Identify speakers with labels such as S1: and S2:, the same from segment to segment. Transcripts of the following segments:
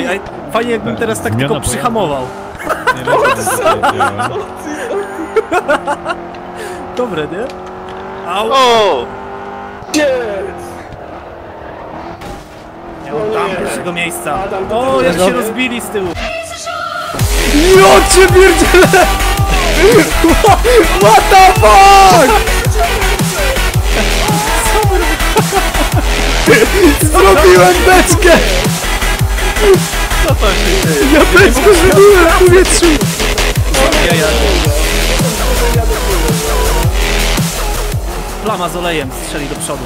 S1: Ej, fajnie jakbym teraz tak tylko przyhamował.
S2: Nie wiem,
S1: Dobre, nie? Au!
S3: O!
S1: Nie oddam pierwszego miejsca. O, jak się rozbili z tyłu.
S4: Ja cię pierdzielę! What the fuck? Zrobiłem beczkę!
S3: Co to się dzieje?
S4: Ja beczkę zrobiłem w powietrzu!
S1: Plama z olejem strzeli do przodu.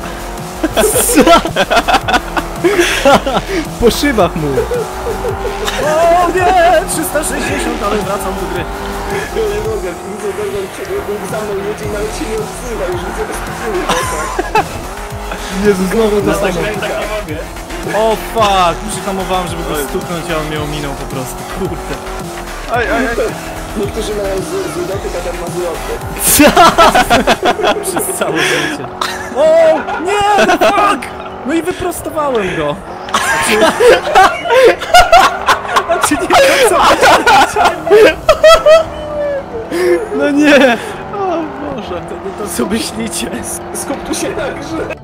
S4: Po szybach mu!
S1: O nie! 360, ale wracam do gry.
S5: Ja nie mogę, widzę Bergon za mną jedzie i nawet się nie odzywa, już widzę bez tytułu.
S4: Jezu, znowu dostanę.
S1: O fuck! Przyhamowałem, żeby go stuknąć, a on mnie ominął po prostu. Kurde.
S3: Aj.
S5: Niektórzy mają zły dotyk, a ten ma zły oddech.
S1: Przez całe życie. O! Nie! No fuck! No i wyprostowałem go. A czy nie wiem co?
S4: No nie!
S1: O Boże, to co myślicie?
S5: Skup tu się na grze.